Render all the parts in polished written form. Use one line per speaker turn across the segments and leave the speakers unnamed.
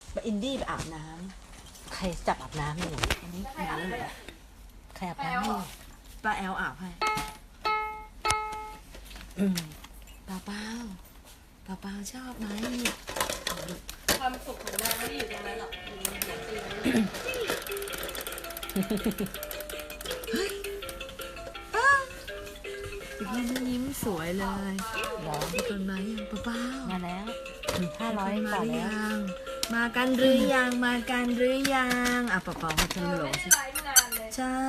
อินดี้ไปอาบน้ำใครจับอาบน้ำอยู่อันนี้ใครอาบน้ำอยู่ป้าแอลอาบให้เปล่าเปล่าชอบไหม
ความสุขของนางไม่ได้อยู่ตรงนั้นหรอกอยู่ในหัวตีน
ยิ้มสวยเลยคนมายังเปล่า
มาแล้ว500
มา
ต่อ
หรือ
แล้ว
ยังมากันหรือยังเปล่าเขาจะหลง
ไม่ได้ไลฟ์นานเลย
ใช่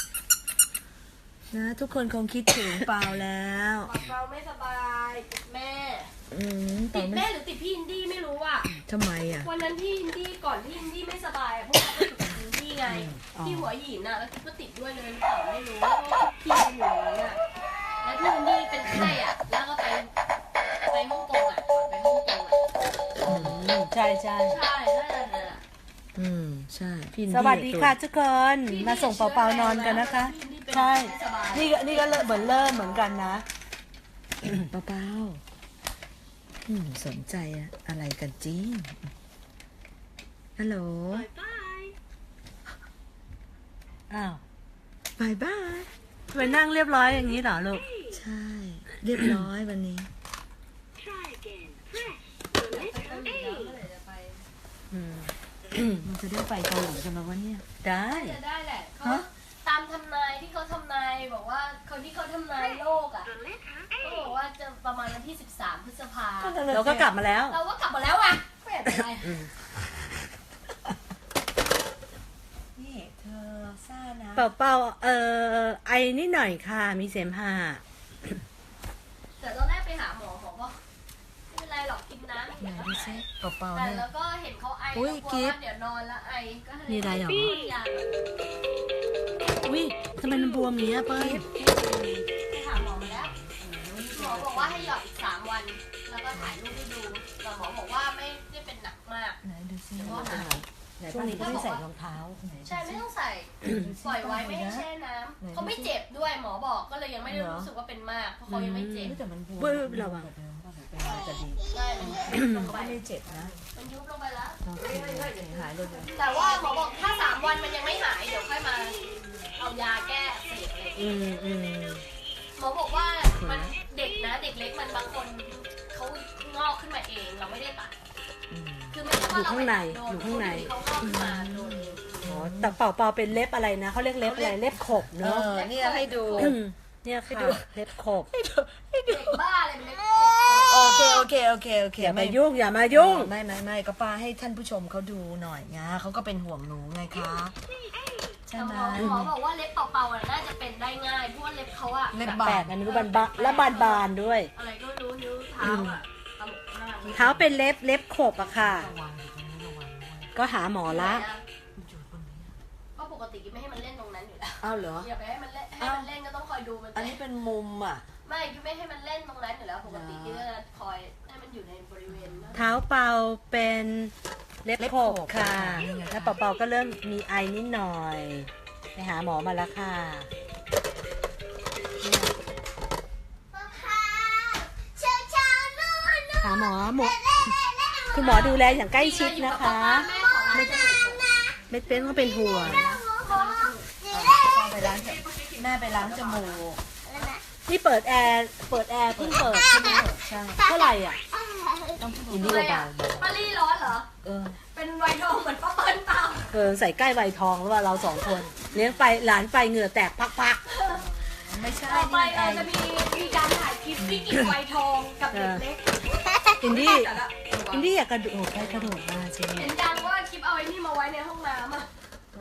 นะทุกคนคงคิดถึงเปล่าแล้ว
เราไม่สบายติดแม่
เปล่า
ติดแม่หรือติดพี่อินดี้ไม่รู้อ่ะ
ทำไมอ่ะ
วันนั้นพี่อินดี้ก่อนที่อินดี้ไม่สบายพวกเราไปอยู่กับอินดี้ไงที่หัวหินน่ะแล้วคิดว่าติดด้วยเลยหรือเปล่าไม่รู้เพราะว่าพี่ไปอยู่อย่างนั้นอ่ะแล้วพี่อินดี้เป็นไข้อ่ะแล้วก็ไปฮ่องกงอ่ะก่อนไปฮ่องกงอ่ะ
ใช่
ใช่นั่นแหละ
ใช่พี่
สวัสดีค่ะทุกคนมาส่งเปาๆนอนกันนะคะ ใช่ นี่ก็เหมือนเริ่มเหมือนกันนะ
เปล่าสนใจอะไรกันจริงฮัลโหล
อ้าว
บายบาย
ไปนั่งเรียบร้อยอย่างนี้เหรอลูก
ใช่ เรียบร้อยวันนี้ มันจะได้ไปเกาหลีกันแล้ววะเนี่ย
ได้
จะได้แหละเขาตามทำนายที่เขาทำนายบอกว่าคนที่เขาทำนายโลกอ่ะเขาบอกว่าจะประมาณวันที่13 พฤษภา
เราก็กลับมาแล้ว
เราก็กลับมาแล้วอ่ะไม่เป็นไร
นี่เธอซ่านะ
เปาไอนิดหน่อยค่ะ มีเสมหะ
แต่ตอนแรกไปหาหมอบอกว่าไม่เป็นไรหรอกกินน้ำ
ไหนดูซิเปล่าๆ
แต่
เนี่ย
แล้วก็เห็นเขาไอ
อุ๊ย
แล้วกลัว
กิ๊บ
ว่าเดี๋ยวนอนแล้วไอก็เลย
มีอะไรเหรอ
ยา
อุ้ยทำไมมันบวมอย่างเงี้ยเปิ้ล
ไปหาหมอมาแล้วหมอบอกว่าให้หยอดอีก3 วัน แล้วก็ถ่ายรูปให้ดูแต่หมอบอกว่าไม่ได้เป็นหนักมาก
ไหนดูซิ
ก็หาย
ช่วงนี้ก็ไม่ใส่รองเท้า
ใช่ไม่ต้องใส่ปล่อยไว้ไม่ให้แช่น้ำเขาไม่เจ็บด้วยหมอบอกก็เลยยังไม่ได้รู้สึกว่าเป็นมากเพราะเขายังไม่เจ็บ
แต่มันบวม
เว้ยระวัง
จะดี
ใช่มันยุบลงไป
ไม่เจ็บนะ
มันยุบลงไปแล้ว
โอเคหายเลย
แต่ว่าหมอบอกถ้า3 วันมันยังไม่หายเดี๋ยวค่อยมาเอายาแก้อักเสบอะไรอย่างเงี้ยหมอบอกว่ามันเด็กนะเด็กเล็กมันบางคนเขางอกขึ้นมาเองเราไม่ได้ตัดคือไม่ใช่ว่าเราไปตัดโดนเขางอกขึ้นมาโดนเอง
อ๋อแต่เปาเป็นเล็บอะไรนะเขาเรียกเล็บอะไรเล็บขบเนอะ
เนี่ยให้ดู
เนี่ยค่ะเล็บขบ
เด็กบ้าอะไรเป็นเล็ก
โอเค
อย่ามายุ่งอย่ามายุ่ง
ไม่ก็ป้าให้ท่านผู้ชมเขาดูหน่อยนะเขาก็เป็นห่วงหนูไงคะใช่ไหม
หมอบอกว่าเล็บเป่าๆน่าจะเป็นได้ง่ายเพราะว่าเล็บเขาอะ
เล็บ
แปลกอันนี้บานๆและบานๆด้วย
อะไรก็รู้นิ้วเท้าอะตลกมาก
เท้าเป็นเล็บขบอะค่ะ ก็หาหมอละ
ก็ปกติกิ๊บไม่ให้มันเล่นตรงนั้นอยู่แล้ว
อ้าวเหรอ
อย่าไปให้มันเล่นก็ต้องคอยดูมัน
อันนี้เป็นมุมอ่ะ
ไม่กิ๊บไม่ให้มันเล่นตรงนั้นอยู่แล้วปกติกิ๊บจะคอยให้มันอยู่ในบริเวณนั้น
เท้าเปาเป็นเล็บขบค่ะ แล้วเปาก็เริ่มมีไอนิดหน่อย ไปหาหมอมาแล้วค่ะ หาหมอคุณหมอดูแลอย่างใกล้ชิดนะคะ ไม่เป็นก็เป็นห่วง
ไปล้างแม่ไปล้างจมูก
นี่เปิดแอร์เพิ่งเปิดใช่ไหม
ใช่
เท่าไหร่อ่ะ
อินดี้
อะไร
เบา
อะป้าลี่ร้อนเหรอ เป็นไวทองเหมือนป้าเปิ้ลเปล่า
ใส่ใกล้ใบทองหรือว่าเรา2 คน เลี้ยงไปหลานไปเหงื่อแตกพัก
ไม่ใช่
ต่อไป
นี่
เราจะมีการถ่ายคลิปวิกฤตไวทองกับเด็กเล็ก
ๆอินดี้อยากกระโดดไปกระโดดมาจริง
เห็นยังว่าคลิปเอาไอ้นี่มาไว้ในห้องน้ำอ่ะ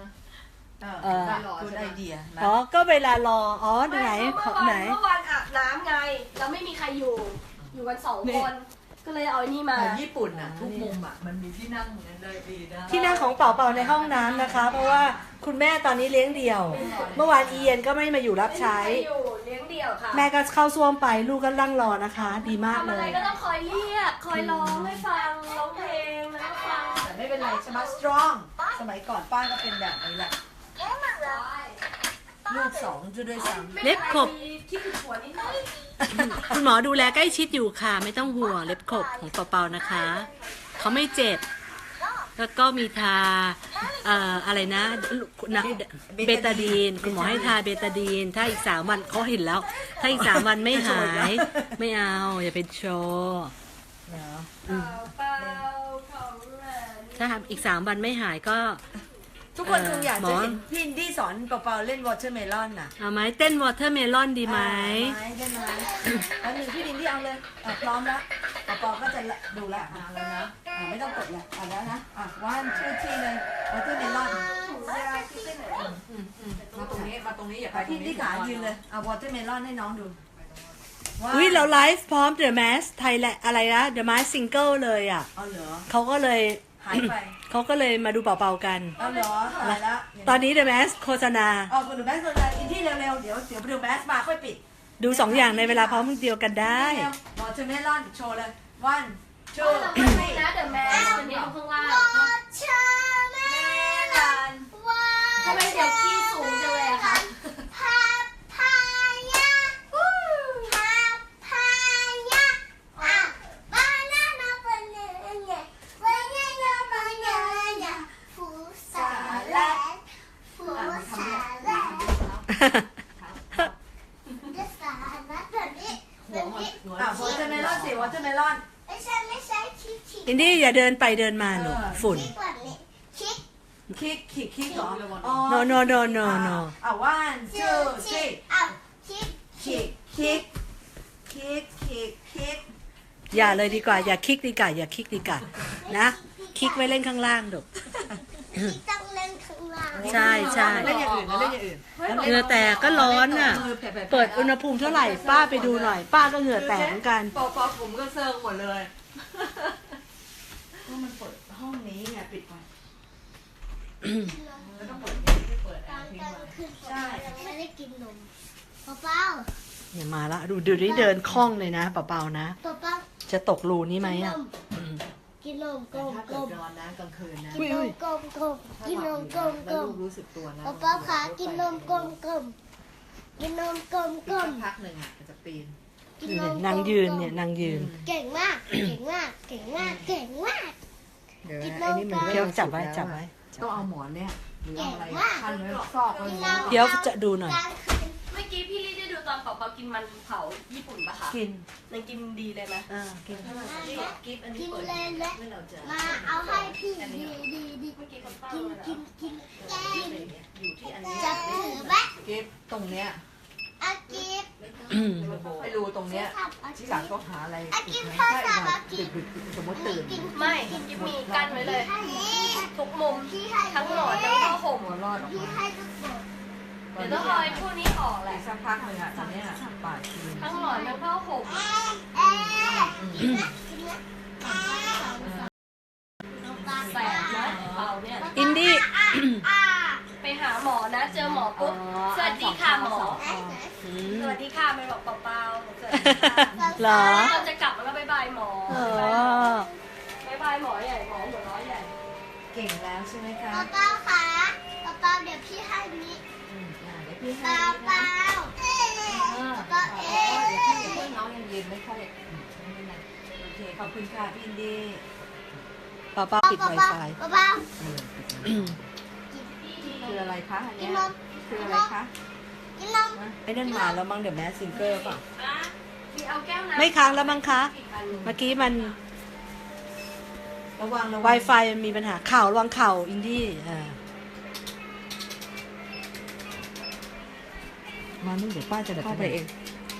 คุณไอเดีย
อ๋อก็เวลารอไหน
เมื่อ
ไหน
วันอาบน้ำไงแล้วไม่มีใครอยู่กัน2 คน ก็เลยเอาไอ้นี่มา
ญี่ปุ่นอ่ะทุกมุมอ่ะมันมีที่นั่งเหมือนกันเลยดีนะ
ที่นั่งของเป่าในห้องน้ำนะคะ เพราะว่าคุณแม่ตอนนี้เลี้ยงเดี่ยว เมื่อวานอีเย็นก็ไม่มาอยู่รับใช้
ไม่มีใครอยู่เลี้ยงเดี่ยวค่ะ
แม่ก็เข้าซ่วมไปลูกก็นั่งรอนะคะ ดีมาก
ทำ
เล
อะไร
ย
ก็ต้องคอยเรียกคอยร้องให้ฟังร้องเพลงแล้วก็ฟัง
แต่ไม่เป็นไรใช่ไหม strong สมัยก่อนป้าก็เป็นแบบนี้แหละ
ลูก2จะด้วยซ้ำ
เล็บขบ
ที่คือหัวนิดหน่อย
คุณหมอดูแลใกล้ชิดอยู่ค่ะ ไม่ต้องห่วงเล็บขบของเป่านะคะเขาไม่เจ็บแล้วก็มีทาอะไรนะเบตาดีนคุณหมอให้ทาเบตาดีนถ้าอีก3 วันเขาเห็นแล้ว ถ้าอีก3 วันไม่หายไม่เอาอย่าไปโชว์
เหรอ
เปล่าของแหวน
ถ้าอีก3 วันไม่หายก็
ทุกคนคงอยาก
หม
จะ
อ
เห็นพี่อินดี้สอนเปาๆเล่นวอเตอร์เมลอนน่ะ
เอาไหมเต้นวอเตอร์เมลอนดีไหม
ได้ไหมอันหนึ่งพี่อินดี้เอาเลยพร้อมแล้วเปาๆก็จะดูแลแล้วนะไม่ต้องกดแล้วแล้วนะวันชื่อที่เลยวอเตอร์เมลอน
มาตรงนี้อย่าไปตร
พี่
ง
อิน
นี้
ดี้ขายืนเลยเอาวอเตอร์เมลอนให้น้องดู
อุ้ยเราไลฟ์พร้อม The Mask ไทยแหละอะไรนะ The Mask Single เลยอ่ะ
เอาเหรอ
เขาก็เลย
หายไป
เขาก็เลยมาดูเป่าๆกัน
เอาเหรอหายแล้ว
ตอนนี้ The Mask โฆษณา
คุณดูแบสเลยอินดี้เร็วๆเดี๋ยวไปดูแบสมาค่อยปิด
ดู2 อย่างในเวลาพร้อมเดียวกันได้
วอเตอร์เมลอนโชว์เลยวันชู
เราไม่ให้นะเดี๋ยวแม่มันมีข้างล่างทำไมเดี๋ยวขี้สูงจังเลยอะคะ
วอเตอร์เมลอนสิวอเตอร์เมลอน
ไม่ใช่คิด
อินดี้อย่าเดินไปเดินมาหนูฝุ่น
แบบนี้คิด
คิกเหรอ
no no no no no
วันชูสิ
อ้าวคิด
คิก
อย่าเลยดีกว่า อย่าคลิกดีกว่าอย่าคลิกดีกว่านะคลิกไว้เล่นข้างล่างดู
คิดต้องเล่นข้างล่าง
ใช่ใช่
เล่นอย่างอื่นนะเล่นอย่างอื่น
เหงื่อแตกก็ร้อนอ่ะ เปิดอุณหภูมิเท่าไหร่ป้าไปดูหน่อย ป้าก็เหงื่อแตกเหมือนกัน
ปอผมก็เซิร์งหมดเลย
ก็มันเปิดห้องนี้ไงปิดไว้
แล้วก็เปิดเนี่ยไม่เปิดแอ
ตอน
ร์ทิ้ง
กลาง
ไว้
คืนผมยังไม่ได้กินนมเปล่า
เนี่ยมาละดูนี่เดินคล่องเลยนะเปล่าๆนะ
เปล่า
จะตกรูนี้ไหมอ่ะ
กินนมกลม
ถ้าก
ล
เกิด
ม
นอนนะกลางคืนนะ
กินนมกลมกลมกินนมกลมก
แล้
ล
ว
ม
ลูกรู้สึกตัวนะ
เปล่าขากินนมกลมกลมกินนมกลมกล
สั
ม
กพักหนึ่งอ่ะจะปีน
กินนม
นางยืนเนี่ยนางยืน
เก่งมาก เก่งมาก เก่งมาก เก่งมาก
เดี๋ยว
กิน
นะ
นม
ไอ้นี่มัน
เดี๋ยวจับไว้จับไว้
ต้องเอาหมอนเนี่ยหรือเอาอะไรพันไว้ซอกไว้
เดี๋ยวจะดูหน่อย
กลางคืน
เมื่อกี้พี่ลี่ได้ดูตอนเปาๆกินมันเผาญี่ปุ่นปะคะ
กิน
มันกินดีเลยไหม
กิน
กิฟต์อันนี้
กิน
เปิด
เลยและ
ไม่เราจะ
มาเอาให้พี่ดีดีดี
เมื่อกี้คนป้า
กิน
เลย
กินกินแกง
อยู่ที่อันนี้
จะถือไหม
กิฟต์ตรงเนี้ย
อากิฟ
ไปรูตรงเนี้ย
อา
ที่
กิ
หลั
ฟ
งก็หาอะไร
อากิ
ปิ
ฟ
ด
พ่อ
ไว้
สาว
ถ้า
อากิ
ดึ
ฟ
กสมมติตื่น
ไม่ยิบมีกั้นไว้เลย
ให้
ทุกมุม
พี่ให้
ทั้งหมอนทั้งผ้าห่ม
หัวรอดออก
พี่
มา
ให้ทุกคน
เดี๋ยวต้องเอาไอ้พวกนี้ออกแห
อี
ละ
กสักพักหนึ่งอ่ะตอนเนี้ยป่าดคืน
ทั้งหมอนทั้งผ้าห่ม
เอ๊ะกินนะกินนะปลา
แสบนะเปาเนี่ย
อินดี้
ไปหาหมอนะ เจอหมอปุ๊บสวัสดีค่ะหมอ
อื
ส
ม
วัสดีค่ะไม่บอกเปาๆสวัสดีค่ะ
เหรอ
เราจะกลับมาแล้วบายบายหมอ
อ๋อบ
ายบายหมอใหญ่หมอหัวเร้อยใหญ่
เก่งแล้วใช่ไหมคะ
เปล่าค่ะเปล่าเดี๋ยวพี่ให้นี้
เดี๋ยวพี่
เป
ให้
ล่าเปล่าเปล่าเอ๊
เดี๋ยว
ะ
น้องยังยืนไม่ค่อย
โอเคขอบคุณค่ะพี่อินดี้
ป้าป้าปิด
เปล่า
Wi-Fi
เปล่า
คืออะไรคะอัน
กิ
เนี้
น
ย
นม
คืออะไรคะ
กินนม
ไอ้นั่นมาแล้วมั้งเดี๋ยวแมสซิงเกอร์ป่ะ
มีเอาแก้วน้ำ
ไม่ค้างแล้วมั้งคะ
อีกอันหนึ่ง
เมื่อกี้มัน
ระวัง
Wi-Fi มันมีปัญหาข่าวระวังข่าวอินดี้มานึ่งเดี๋ยวป้าจะเข้าไปเอง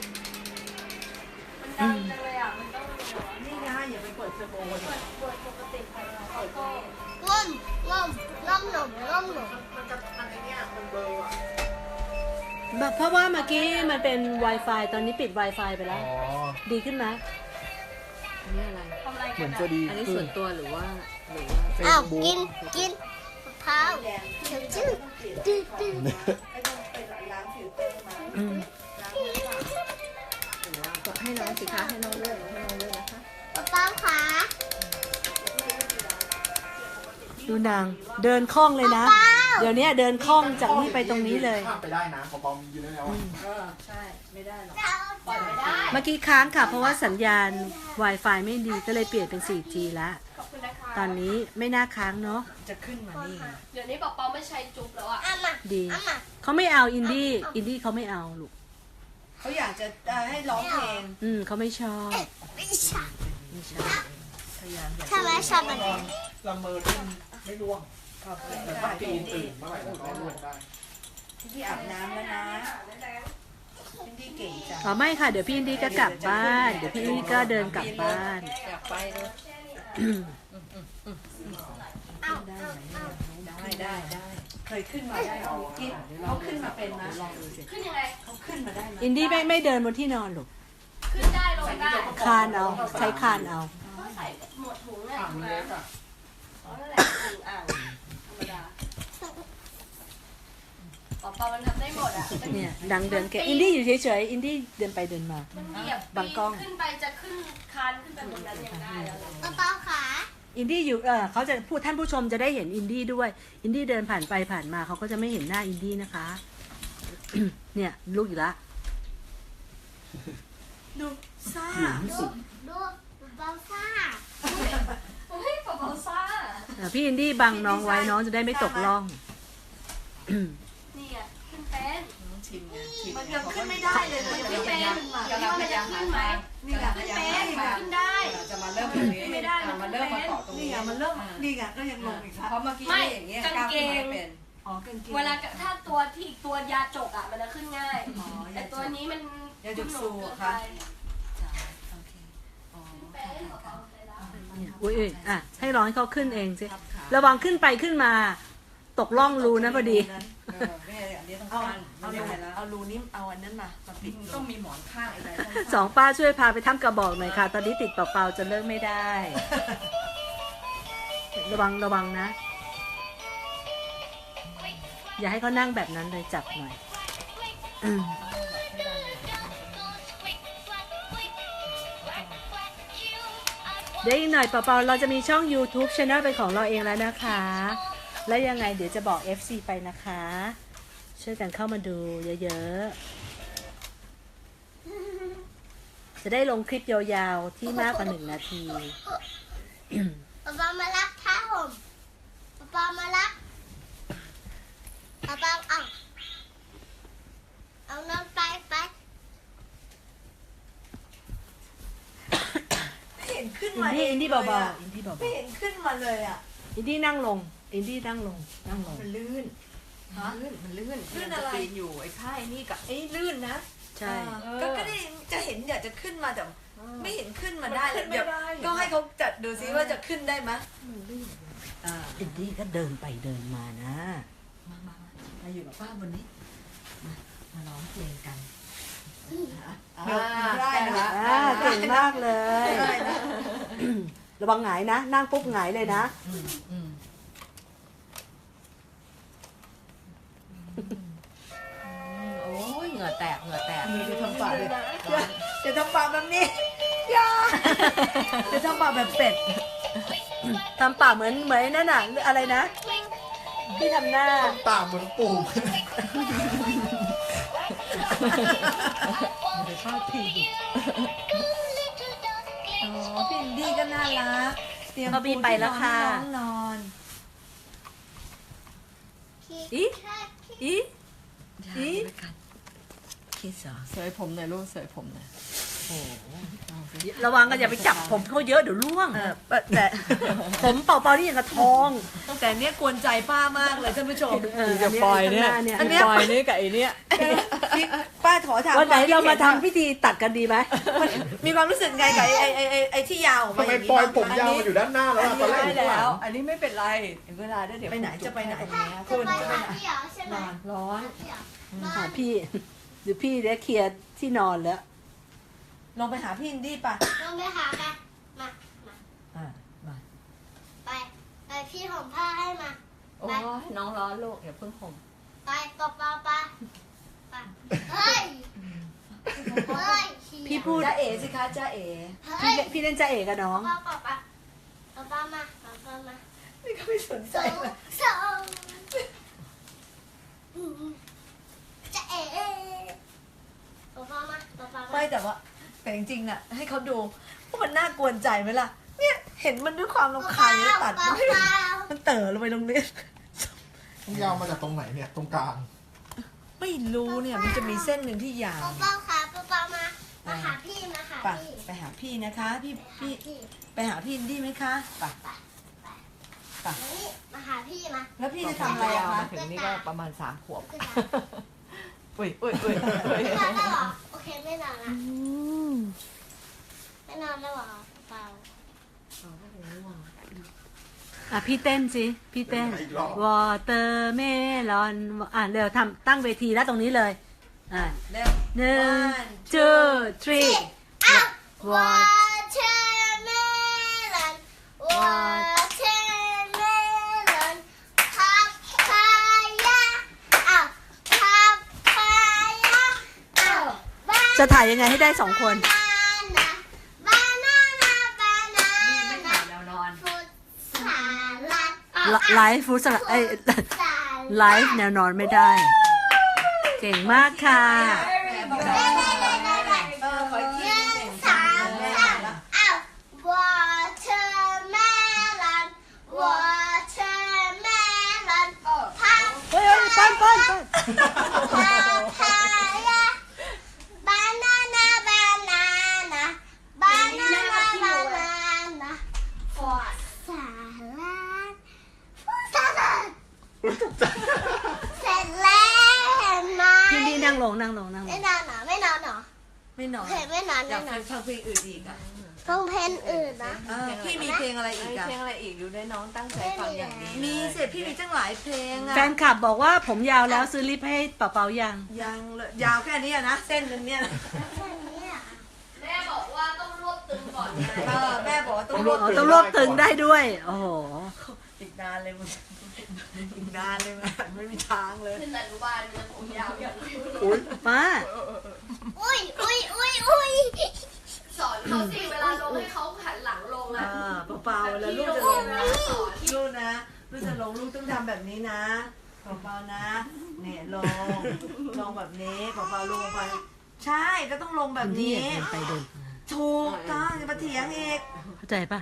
มันดังจังเลยอ่ะ มันต้อง
นี่ไงอย่าไปเปิดเทอร์โบ
เปิดปกติไปแล้วก็
ง่มง่มง่มหนุ่มง่มหนุ่ม
แบบเพราะว่าเมื่อกี้มันเป็น Wi-Fi ตอนนี้ปิด Wi-Fi ไปแล้ว ดีขึ้นไหม
อันนี้อะไร
ทำอะไร
เห
กั
มือน น
อะ
จะดี
อันนี้
ขึ้
ส่วน นตัวหรือว่าหรือว่า
อ้าวกินกินมะพร้าวเดี๋ยวจืดจืดจืด
ไม่ต้องไปล้างฟิลเตอร์มา
อืม
ก็ให้น้องสิคะให้น้องเลือกให้น้องเลือกนะคะ
เปล่าขา
ดูนางเดินคล่องเลยนะ เดี๋ยวนี้เดินคล่องจากนี่ไปตรงนี้เลย
ข้ามไปได้นะปอมยืนได้แล้วอะ
ใช่ไม่ได้หรอก
ปล่อยไม่ได้
เมื่อกี้ค้างค่ะ เพราะว่าสัญญาณ Wi-Fi ไม่ดีก็เลยเปลี่ยนเป็น 4G แล้ว
ขอบคุณคุณนะคะ
ตอนนี้ไม่น่าค้างเนาะ
จะขึ้นมานี่
เดี๋ยวนี้เปาไม่ใช้จุ๊บแล้วอ่ะ
อามา
ดี
อามา
เขาไม่เอาอินดี้เขาไม่เอาลูก
เขาอยากจะให้ร้องเพลง
เขาไม่ชอบ
ไม่ใช่
ไม่ชอบ
พยายามอยาก
ทำไมชอบมัน
ละเมอที่ไม่ร่วง
เข้าไป
แต่ถ้าปีนตื่นเมื่อไหร่ก็ร่วงได้
พี่อาบน้ำแล้วนะพี่ดีเก่งจัง
อ๋อไม่ค่ะเดี๋ยวพี่อินดี้ก็กลับบ้าน เดี๋ยวพี่อินดี้ก็เดินกลับบ้าน
อยากไปเลย
เอา
ได้เคยขึ้นมาได้หรอกิ๊บเขาขึ้นมาเป็นนะลองดูสิ
ขึ้นยังไง
เขาขึ้นมาได้ไหม
อินดี้ไม่เดินบนที่นอนลูก
ขึ้นได้ลงได้
คานเอาใช้คานเอา
ก็ใส่หมวดถุงเนี่ย
อ่าง
ถูกไหม
เล็กอ่ะ
อ๋อนั่นแหละถุงอ่างธรรมดาเปามันทำได้หมดอ่ะ
เนี่ยดังเดินแกอินดี้อยู่เฉยๆอินดี้เดินไปเดินมา
มันเหยียบ
บังกล้อง
ขึ้นไปจะขึ้นคานขึ้นไปบนนั้นยังได้แล้วเลย
กระเป๋าขา
อินดี้อยู่เขาจะพูดท่านผู้ชมจะได้เห็นอินดี้ด้วย อินดี้เดินผ่านไปผ่านมาเขาก็จะไม่เห็นหน้าอินดี้นะคะ เนี่ยลูกอีกละ
ดูซ่า
ดูเบาซ่า
เฮ้ยเปาซ่า
พี่อินดี้บังน้องไว้น้องจะได้ไม่ตกล่อง
นี่อ่ะขึ้นเป็น
ชิมไงชิมมันยังขึ้นไม่ได้เลยมันยัง
ขึ้น
ไม่
เป็น
ได้
ว่ามันจะขึ้นไหม
นี่ไง
ขึ้นเป็นขึ้นได้
จะมาเริ่มตรงนี้
ไม่ได้มัน
มาเริ่มมาต่อตรงนี้มันเริ่มนี่ไงก็ยังลงอีกครับเพราะเมื่อกี้อย่างเงี้ยก้าวขึ้นมาเป็นอ๋อกางเกง
เวลาถ้าตัวที่อีกตัวยาจกอ่ะมันจะขึ้นง่าย แต่ตัวนี้มัน
ยาจกสู
เกิน
ค่ะ
ไป
โอเคอ๋อ
เป็นเปาๆเลยละ
เนี่ยอุ้ยให้ร้องให้เขาขึ้นเองสิระวังขึ้นไปขึ้นมา ตกล่องรูนะพอดี
แม่อันนี้ต้องการเอารูนี้เอาอันนั้นมาปิดต้องมีหมอนข้างอะไร
สองป้าช่วยพาไปทำกระบอกหน่อยค่ะ ตอนนี้ติดเปล่าๆจะเลิกไม่ได้ ระวังนะ อย่าให้เขานั่งแบบนั้นเลยจับหน่อยเดี๋ยวอีกหน่อยเปล่าๆเราจะมีช่อง YouTube Channel เป็นของเราเองแล้วนะคะ แล้วยังไงเดี๋ยวจะบอก FC ไปนะคะ ช่วยกันเข้ามาดูเยอะๆ จะได้ลงคลิปยาวๆ ที่มากกว่า1 นาที
ป๊าป๊ามารับผ้าห่มป๊าป๊ามารับป๊าป๊าเอาน้ำไป
เห็นขึ้น
อิ
มาน
ดี้อินดี้เบาๆอินดี้เบา
ไม่เห็นขึ้นมาเลยอ่ะ
ๆอินดี้นั่งลงอินดี้นั่งลง
มันลื่นมันลื่นอะไรอยู่ไอ้ผ้าไอ้นี่กับไอ้ลื่นนะ
ใช่
ก็ได้จะเห็นอยากจะขึ้นมาแต่ไม่เห็นขึ้นมาได้เลยเดี๋ยวก็ให้เขาจัดดูซิว่าจะขึ้นได้ไหม
อินดี้ก็เดินไปเดินมานะ
มาอยู่กับป้าบนนี้มาร้องเพลงกัน
ได้นะเก่งมากเลย ระวังหงายนะ นั่งปุ๊บหงายเลยนะ
โอ้ยเหงื่อแตกมีจะทำปากเลยจะทำปากแบบนี้อย่าจะทำปากแบบเป็ด
ทำปากเหมือนนั่นน่ะอะไรนะที่ทำหน้า
ตามเหมือนปู่
อ๋อพี่อินดี้ก็น่ารักเตรียม
เขาบีไปแล้วค่ะ
น้องนอน
อีอีอี
คิดเหรอเสยผมหน่อยลูกเสยผมหน่อย
ระวังกันอย่าไปจับผมเขาเยอะเดี๋ยวร่วงแต่ผมเป่าๆนี่อย่างกระทอง
แต่เนี้ยกวนใจป้ามากเลยท่านผู้ชม
จะปล่อยเนี่ย
อันเนี้ย
ปล่อยนี่กับไอเนี้ย
ป้าขอถาม
วันไหน
ควคิด
เรามา
ห็
ทำพิธีตัดกันดีไหม
มีความรู้สึกไงกับไอ้ที่ยาวออก
ทำ
มา
ไม
อย่างนี้
ปล่อยผม
บ้ง
ยาวมาอยู่ด้านหน้าแล้ว
อัน
ตอน
นี้
แรกอยู่
ได้
ข้างหลั
แล้ว
ง
อันนี้ไม่เป็นไรถึงเวลาได้เดี๋ยวไปไหนจะไปไหน
จะไปหาพี่เหรอใช่ไหม
นอนร้อน
พี่เหรอ
หาพี่เดี๋ยวพี่ได้เคลียร์ที่นอนแล้ว
ลงไปหาพี่อินดี้ป่ะ
ลงไปหากันมา
มา
ไปพี่ห่มผ้าให้มา
โอ้ยน้องร้อนลูกอย่าเพิ่งห่ม
ไปป๊าป๊าไปเฮ้ย
พี่พูด
จ้าเอ๋สิคะจ้าเอ๋
เฮ้ย
พี่เล่นจ่าเอกกับน้อง
ป๊ามาป๊ามา
นี่ก็ไม่สนใจ
สอง
เลย
สองจะเอ๋ป๊ามา
ไม่แต่ว่าแต่จริงๆน่ะให้เขาดูว่ามันน่ากวนใจไหมล่ะเนี่ยเห็นห็นมันด้วยความรำคาญเลยตัด
เปล่าเปล่า
มันเต๋อลงไปตรงนี้
ต้องยาวมาจากตรงไหนเนี่ย ตรงกลาง
ไม่รู้เนี่ยมันจะมีเส้นหนึ่งที่ยาว
เปล่าค่ะเปล่ามาหาพี่มาหา
ไป
พี่
ไปหาพี่นะคะพี่
พี่
ไปหาพี่อินดี้ไหมคะไป
นี่มาหาพี่มา
แล้วพี่จะทำอะไรอะคะ
ถึงนี่ก็ประมาณ3 ขวบ
คือจะ
อุ้ย
ไม่นอนแล้วเหรอโอเคไม่นอนละไม่นอนแล้วเหรอเปล่า
อ่ะพี่เต้นสิพี่เต้น
อีกรอบ
watermelon อ่ะเร็วทำตั้งเวทีแล้วตรงนี้เลยอ่ะ
เร็ว
1 2 3
อ้าว
What?
watermelon watermelon พับพายาอ้าวพับพายาอ้าว
จะถ่ายยังไงให้ได้2 คน
บานานาบานา
ไม่
นา
ถ่ายแนวนอน
ฟุตสาลัด
ไลฟ์ฟู้ดสลัดไลฟ์แนวนอนไม่ได้ เก่งมากค่ะ
ขออีกที
สามอ้าว watermelon watermelon พับ
เฮ้ยปั้น
พายา banana banana banana banana for saladเสร็จแล้วไหม
พี่ดีนั่งลง
ไม่นอนเหรอไม่นอนเหรอ
ไม่นอน
เพลงไม่นอน
อยาก
ไม่น
ฟั
อง น
เพลงอื่นอีกอ่ะ
ต้องเพลงอื่นนะ
พี่มีเพลงอะไรอีกอ่ะ
เพลงอะไรอีกดูได้น้องตั้งใจฟังอย่างนี้
มีเสร็จพี่มีตั้งหลายเพลงอ่ะ
แฟนคลับบอกว่าผมยาวแล้วซื้อลิปให้เป่ายัง
ยังเลยยาวแค่นี้อะนะเส้นหนึงเนี่ยนะ
แม่บอกว่าต้องรวบตึงก่อนไง
แม่บอกว่าต้องร
ร
ว
ว
บบ
ต้องรวบตึงได้ด้วย โอ้โห
อีกนานเลยมึงอีกนานเลยมันไม่มีทางเลย
ขึ้นแต่อนุบาลเนี่ยผมยาวอย่างนี้
อุ้ย
ป้า
อุ้ย
สอนเขาสิเวลาลงให้เขาหันหลังลงอ่ะ
เปล่าๆแล้วลูกจะลงนะลูกนะลูกจะลงลูกต้องทำแบบนี้นะเปล่าๆนะเนี่ยลงแบบนี้เปล่าๆลงไป ใช่ก็ต้องลงแบบ
ที่
นี้
เดินไปเดินมา
ถูกต้องจะมาเถียงอีก
เข้าใจป่ะ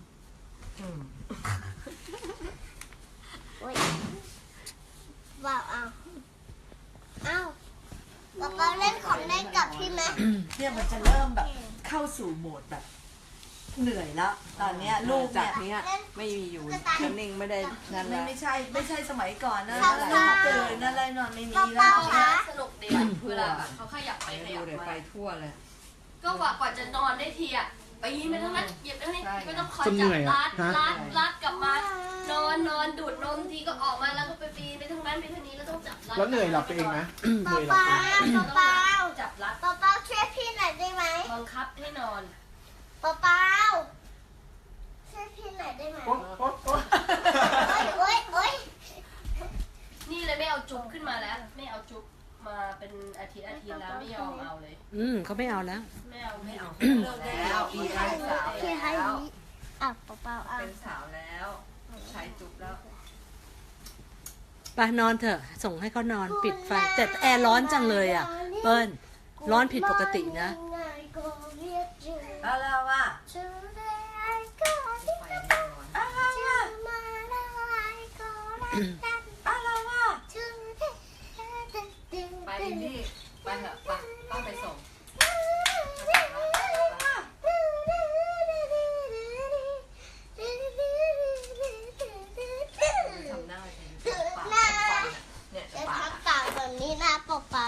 ว้าวเอาป๊าเล่นของเล่นกับพี่ไหม
เนี่ยมันจะเริ่มแบบเข้าสู่โหมดแบบ เหนื่อยแล้ว ตอนเนี้ยลูก
จาก
เนี่ย
นี้ไม่มีอยู่นิ่งไม่ได้นั่นแหละ
ไม่ใช่สมัยก่อนนะ
ครับ
ตื่นนั่นอะไรนอนไม่มี
ป๊า
แล้ว
คะ
สนุกดีอะเวลาแบบเขาขยับไปข
ดู
ยับ
เดี๋ยว
มา
ไปทั่วเลย
ก็กว่าจะนอนได้ทีอ่ะไปยินไปทั้งนั้นเหยียบไปทั้งนี้
ใช่
ก็ต้องคอย
จะเห
จับ
นื่อย
รั
อ่ะ
ด
ฮะ
รัดกลับมานอนดูดนมทีก็ออกมาแล้วก็ไปปีนไปทั้งนั้นไปทั้งนี้แล้วต้องจับรัด
แล้วเหนื่อยหลับไปเองไหมเหนื่อยหลับ
ป๊า
ไปเอง
ป๊า
จับรัด
ป๊าช่วยพี่หน่อยได้ไหม
บังคับให้นอน
ป๊าช่วยพี่หน่อยได้ไหม
โอ๊ะโอ๊ะโอ๊ะ
โอ๊ย
นี่เลยไม่เอาจุ๊บขึ้นมาแล้ว ไม่เอาจุ๊บมาเป็นอาทิตย์แล้วไม่ยอมเอาเลย
เขาไม่เอาแล้ว
ไม่เอา
เลิกแล้วอีกแล้วสาว
พี่ให้
แล้ว
นี้อ่ะป๊าอ่ะ
เป็นสาวแล้วใช้จุ๊บแล้ว
ไปนอนเถอะ ส่งให้เขานอนปิดไฟ แต่แอร์ร้อนจังเลยอ่ะ เปิ้ลร้อนผิดปกตินะ
อะไรวะ อะไรวะอะไรวะ
ไปอินดี้ไปเถอะไปป้าไปส่งทำหน้าไปปากเนี่ย
จะ
ปาก
ทำปากแบบนี้นะเปล่า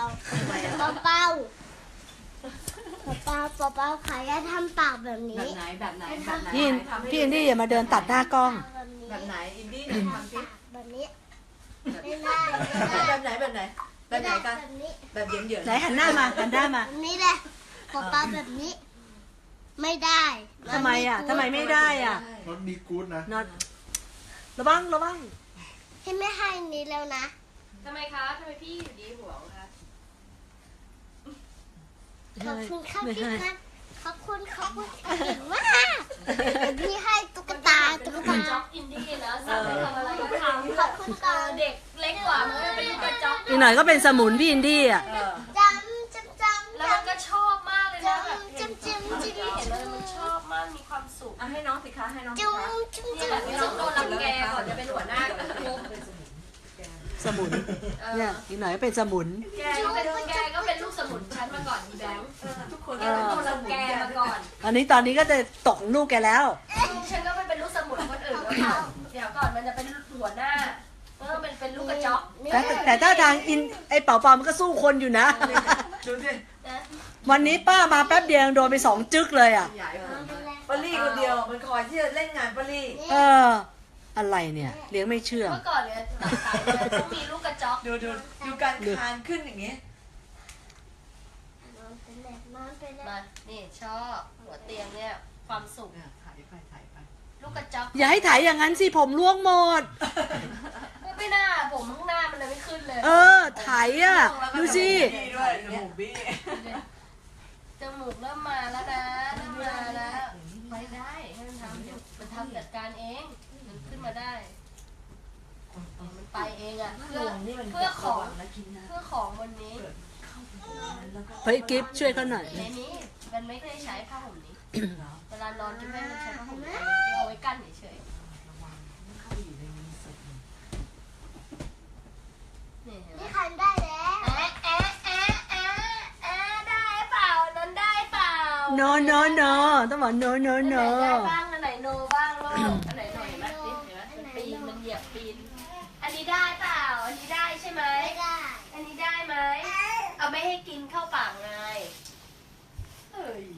ขายาทำปากแบบนี้
แบบไหนแบบไหนแบบไหน
พี่อินดี้อย่ามาเดินตัดหน้ากล้อง
แบบนี้
แบบไหนอินดี้ทำสิ
แบบนี้ไม่ได้
แบบไหนแบบไหนแบบไหนกัน
แบบนี้
แบบเหยิน
ไหนหันหน้ามา
แบบนี้แหละป๊าแบบนี้ ไม่ได้
ทำไมอ่ะทำไมไม่ได้อ่ะ
รถดีกู๊ดนะ
นอนระวัง
ให้ไม่ให้นี้แล้วนะ
ทำไมคะทำไมพี่อยู่ดีห่วงคะ
ขอบคุณครับ
ไม่
พี่
ให้
ครับขอบคุณเก่งมากพี่ให้ตุ๊กตา
จ็อกอินดี้นะสั่งให้ทำอะไรก็ทำ
ขอบคุณก่อน
เด็กเล็กกว่ามันก็เป็นลูกกระจอก
อีกหน่อยก็เป็นสมุนพี่อินดี้อ่ะ
จำ
แล้วมันก็ชอบมากเลยนะแบบ
จำ
เห็นแล้วมันชอบมากมีความสุข
ให้น้องสิคะให้น้อง
จุ๊
สมุน เนี่ยอีกหน่อยก็เป็นสมุน
แกก็เป็นลูกสมุนฉันมาก่อนอีแบงค์
ทุกคน
แกเป็นตัวรังแกมาก่อน
ตอนนี้ก็จะตกลูกแกแล้ว
ลูกฉันก็ไม่เป็นลูกสมุนคนอื่นแล้วค่ะเดี๋ยวก่อนมันจะเป็นหัวหน้าก็ต้องเป็นลูกกระจอก
แต่ถ้าทางไอ้เป่ามันก็สู้คนอยู่นะ
ดูสิ
นะ
วันนี้ป้ามาแป๊บเดียวยังโดนไป2 จึ๊กเลยอ่ะ
ใหญ่กว่าไหม
ปาลี่คนเดียวมันคอยที่จะเล่นงานปาลี่
เออ อะไรเนี่ย เลี้ยงไม่เชื่อง
เมื่อก่อนเนี่ยหลังขายเนี่ยต้องมีลูกกระจอก
ดูการคานขึ้นอย่างเงี้ย
มานี่ชอบหัวเตียงเนี่ยความสุข
เนี่ยถ่ายไปถ่ายไป
ลูกกระจอก
อย่าให้ถ่ายอย่างนั้นสิผมร่วงหมด
ไม่น่าผมข้างหน้ามันเลยไม่ขึ้นเลย
เออถ่ายอ่ะ ดูสิ
บี้ด้วยจมูกบี้
จมูกเริ่มมาแล้วนะเริ่มมาแล้วไปได้ให้มันทำเดี๋ยวมันทำจัดการเองมันขึ้นมาได้มันไปเองอ่ะเพื่อของวันนี้
เฮ้ยกิฟช่วยเขาหน่อย
ในนี้มันไม่ได้ใช้ผ้าห่มนี้ เวลานอนจะไม่ใช้ผ้าห่มนี้เอาไว้กั้นเฉยๆนี่เห็นไหม
นี่คันได้แล้ว
แอะแอะแอะแอะแอะได้เปล่านั้นได้เปล่า
no no no ต้องบอก no no
อันไหน
no
ได้บ้างอันไหนโนบ้างลูกอันไหนหน่อยเห็นไหมนี่เห็นไหมมันปีนมันเหยียบปีน อันนี้ได้เปล่า อันนี้ได้ใช่ไหม
ไม่ได้
อันนี้ได้ไหม เอาไม่ให้กินเข้าปากไงเฮ้ย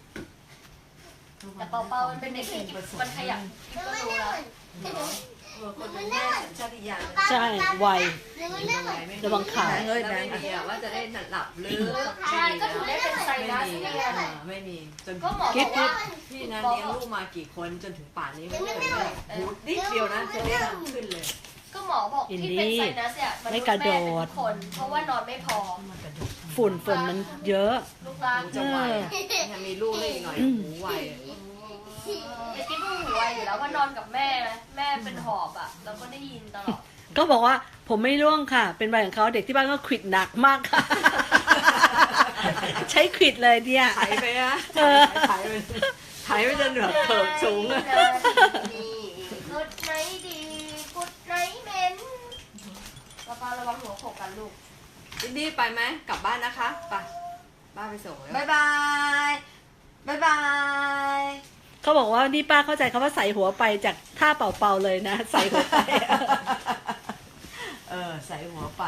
แต่เปาๆมันเป็นเด็กที่มันขยับกินก็รู้แล้ว
คนเป็นแม่สัญชาติยาน
ใช่ไว
หนูไม่ได้เหมือน
ระวังขา
เฮ้ยแบงค์เดียวว่าจะได้หลับลึก
ใช่ก็ถึงได้เป็นไซนัสเนี่ย
ไม่มีจน
ก็หมอบอกว่า
พี่นะเลี้ยงลูกมากี่คนจนถึงป่านนี้ไม่เคยได้หูนิดเดียวนะจะได้ขึ้นเลย
ก็หมอบอกที่เป็นไซนัสเนี่ยมันษย์แม่เป็นทุกคน เพราะว่านอนไม่พอ
ฝุ่นมันเยอะ
ลูกรัก
จะไวมีลูกเลยอีกหน่อยหูไว
ไอ้กิ๊บก็หูไวอยู่แล้วว่านอนกับแม่นะแม่เป็นหอบอ่ะเราก็ได้ยินตลอด
ก็บอกว่าผมไม่ร่วงค่ะ เป็นใบของเขาเด็กที่บ้านก็ขวิดหนักมากค่ะ ใช้ขวิดเลยเนี่ย
ถ่ายไปนะถ่ายไปจนแบบเถิบสูงอะ
กุดไหนดีกุดไหนเหม็นป้าระวังหัวโขกกันลูก
อินดี้ไปไหมกลับบ้านนะคะไปบ้านไปส่งแล้ว
บ๊ายบายบ๊ายบาย
เขาบอกว่านี่ป้าเข้าใจคำว่าใส่หัวไปจากท่าเป่าๆเลยนะ ใส่หัวไป
ใส่หัวไป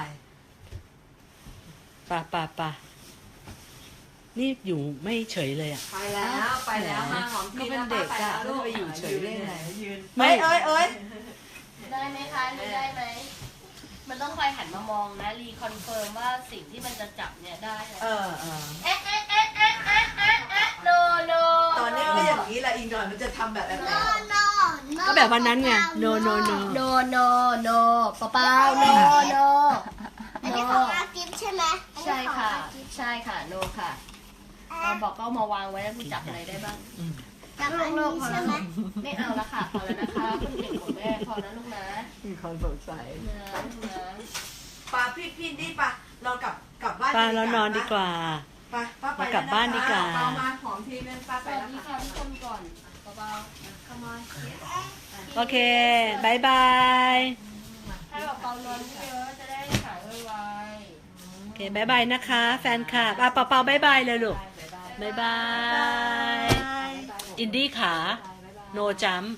ป่านี่อยู่ไม่เฉยเลยอ่ะ
ไปแล้วมาหอม
ก็
พี่
เป็น
นะ
เด็ก
ไป
อะ
แล้ว
แล้ว
ลูก
จะไปอยู่เฉยได้ไงยืน
ไม่
เอ้ย
ได้ไหมคะนี่ได้ไหมมันต้องคอยหันมามองนะรีคอนเฟิร์มว่าสิ่งที่มันจะจับเนี่ยได้นะ
เออ
เอ๊ะโนโน
ตอนนี้ก็อย่างนี้แหละอีกหน่อยมันจะทำแบบแบบ
โนโน
ก็แบบวันนั้นไง no no no
โนโนโนเปล่าโนโน
อันนี้ของอากิฟใช่ไหม
ใช่ค่ะ ใช่ค่ะโนค่ะเราบอกก็เอามาวางไว้แล้วคุณจับอะไรได้บ้าง
กับอันนี้ใช่ไหม
ไม่เอาละค่ะพอแล้วนะคะคุณเก่งของแม่พอนะลูกนะ
มีคนสงสัย
นะลูกนะ
ป้าพี่นี่ป้าเรากลับบ้าน
ป้าแล้วนอนดีกว่า
ป้าไป
กลับบ้านดีกว่า
เอามาหอมทีนึงป้า
ส
ไป
วัส
แล้ว
ดี
ค่ะ
ค่ะทุกคนก่อนเบาๆ come on
โอเคบายบาย
ให้แบบเปานอนเยอะจะได้หายไว
โอเคบายบายนะคะ แฟนคลับเป่าบายบายเลยลูก
ๆ
บายบาย อินดี้ขาโนจัม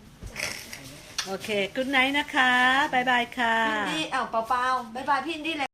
โอเค good night นะคะบายบายค่ะ
พี่นี่เปล่าบ๊ายบายพี่นี่เลย